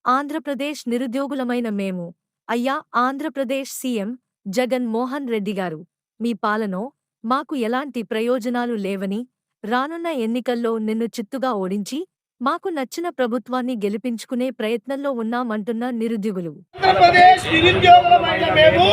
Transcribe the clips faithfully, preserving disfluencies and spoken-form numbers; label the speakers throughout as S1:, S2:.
S1: ఆంధ్రప్రదేశ్ నిరుద్యోగులమైన మేము, అయ్యా ఆంధ్రప్రదేశ్ సీఎం జగన్ మోహన్ రెడ్డి గారు, మీ పాలనో మాకు ఎలాంటి ప్రయోజనాలు లేవని, రానున్న ఎన్నికల్లో నిన్ను చిత్తుగా ఓడించి, మాకు నచ్చిన ప్రభుత్వాన్ని గెలిపించుకునే ప్రయత్నంలో ఉన్నామంటున్న నిరుద్యోగులు.
S2: ఆంధ్రప్రదేశ్ నిరుద్యోగులమైన మేము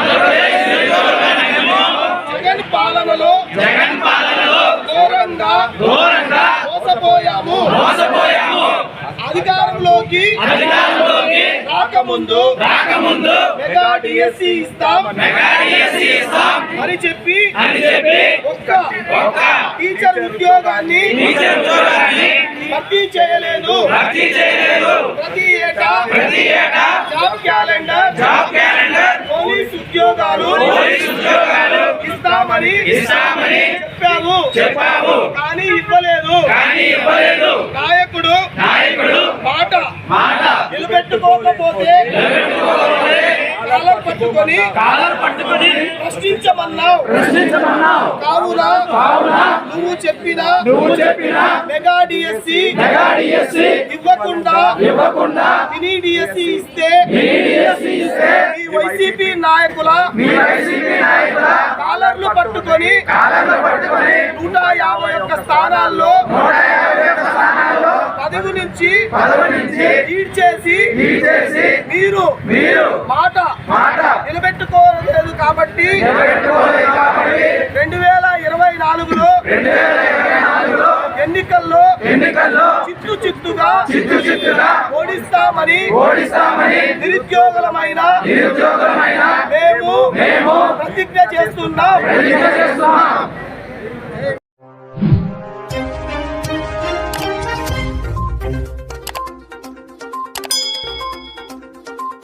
S2: జగన్ పాలనలో జగన్ పాలనలో ఘోరంగా ఘోరంగా మోసపోయాము మోసపోయాము అధికారంలోకి అధికారంలోకి రాకముందు రాకముందు మెగా డిఎస్సి ఇస్తాం మెగా డిఎస్సి ఇస్తాం అని చెప్పి అని చెప్పి ఒక్క ఒక్క టీచర్ ఉద్యోగాన్ని టీచర్ ఉద్యోగాన్ని భర్తీ చేయలేదు భర్తీ చేయలేదు ప్రతి ఏటా ప్రతి ఏటా job calendar job calendar police ఉద్యోగాలు పోలీస్ ఉద్యోగాలు ఇస్తామని ఇస్తామని చెప్పాము చెప్పాము కానీ ఇవ్వలేదు కానీ ఇవ్వలేదు నాయకుడు నాయకుడు మాట మాట నిలబెట్టుకోకపోతే నిలబెట్టుకోకపోతే కాలర్ పట్టుకొని కాలర్ పట్టుకొని ప్రశ్నించమన్నావు ప్రశ్నించమన్నావు కావున కావున నువ్వు చెప్పినా నువ్వు చెప్పినా మెగా డిఎస్సి మెగా డిఎస్సి ఇవ్వకుండా ఇవ్వకుండా మినీ డిఎస్సి ఇస్తే మినీ డిఎస్సి ఇస్తే ఈ వైసీపీ నాయకుల మీ వైసీపీ నాయకుల కాలర్లు పట్టుకొని కాలర్లు పట్టుకొని నూట యాభై ఒక్క స్థానాల్లో నూట యాభై ఒక్క స్థానాల్లో పదవి నుంచి పదవి నుంచి లీడ్ చేసి లీడ్ చేసి మీరు మీరు మాట మాట నిలబెట్టుకోలేదు కాబట్టి నిలబెట్టుకోలేదు కాబట్టి రెండు వేల ఇరవై నాలుగులో రెండు వేల ఇరవై నాలుగులో ఎన్నికల్లో ఎన్నికల్లో చిత్తు చిత్తుగా చిత్తు చిత్తుగా ఓడిస్తామని ఓడిస్తామని నిరుద్యోగులమైన నిరుద్యోగులమైన మేము మేము ప్రతిజ్ఞ చేస్తున్నాం ప్రతిజ్ఞ చేస్తున్నాం